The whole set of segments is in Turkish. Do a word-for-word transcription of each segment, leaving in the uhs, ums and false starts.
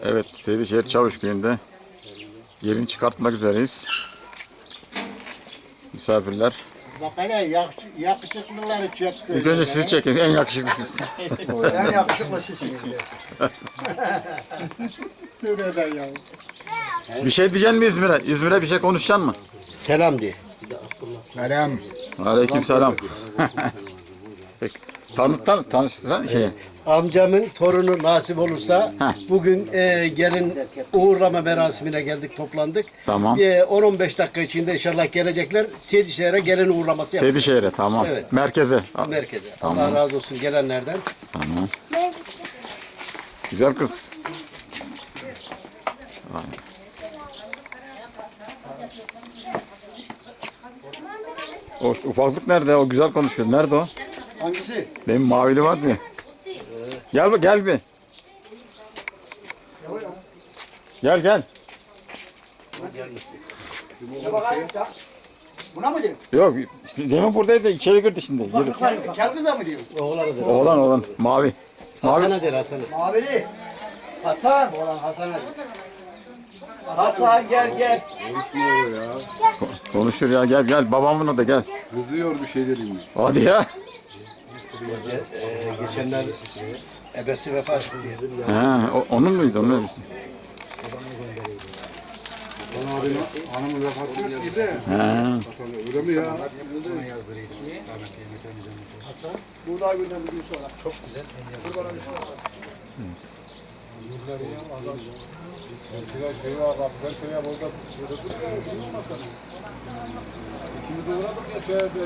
Evet, Seydişehir Çavuşköy'ünde yerini çıkartmak üzereyiz. Misafirler. Bak hele yakış- yakışıklıları çekti. İlk önce sizi çekin, en yakışıklı siz. En yakışıklı sizsiniz. Tövbe ya. Bir şey diyeceksin mi İzmir'e? İzmir'e bir şey konuşacaksın mı? Selam de. Selam. Aleykümselam. Peki. Tanıt, tanıt, tanıştıran şey. Amcamın torunu nasip olursa Heh. bugün e, gelin uğurlama merasimine geldik, toplandık. Tamam. E, on on beş dakika içinde inşallah gelecekler. Seydişehir'e gelin uğurlaması yapacağız. Seydişehir'e, tamam. Evet. Merkeze. Merkeze. Tamam. Allah razı olsun gelenlerden. Tamam. Güzel kız. Aynen. O ufaklık nerede? O güzel konuşuyor. Nerede o? Hangisi? Benim mavili vardı ya. Gel bak, gel bir. Gel gel. Buna mı diyor? Yok işte demin buradaydı, içeri girdi şimdi. Yürü. Kel kıza mı diyor? Oğlanı Oğlan oğlan mavi. Mavi. Hasan'a der Hasan'a. Mavili. Hasan, Oğlan Hasan'a der. Hasan gel gel. Konuşur ya, gel gel, babamın da gel. Kızıyor bir şey dedim. Hadi ya. Ee, geçenler ebesi vefat etti. Ha, o- onun muydu? Onun öylesi. Bana abinin hanımı vefat etti de. Ha. Öyle mi ya? Buğday günden bugün sonra. Çok güzel. Şuraya şuraya bak. Ben şuraya burada şurada durmasam. İkimiz de uğradık ya şehirde.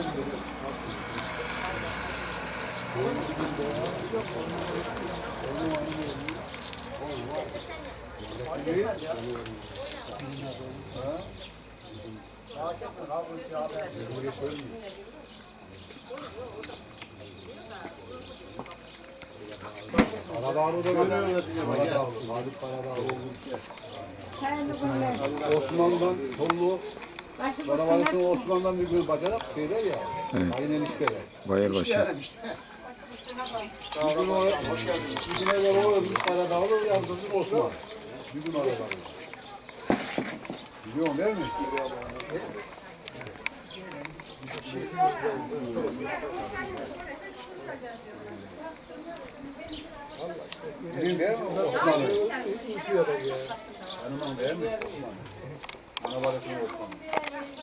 Karadağ'ı da görüyorlar. Halit Karadağ oldu. Osmanlı'dan Tollu, Karabalık'ın Osmanlı'dan bir gün bacanak şeyler ya. Aynen işleri. Bayırbaşı. Bir gün o, bir güne göre o ölmüş Karadağ'ı yazdırdık Osman. Bir gün arada. Biliyorum değil mi? Bilin değil mi? Osmanlı. Hanımın değil mi? Osmanlı. Karabalık'ın Osmanlı.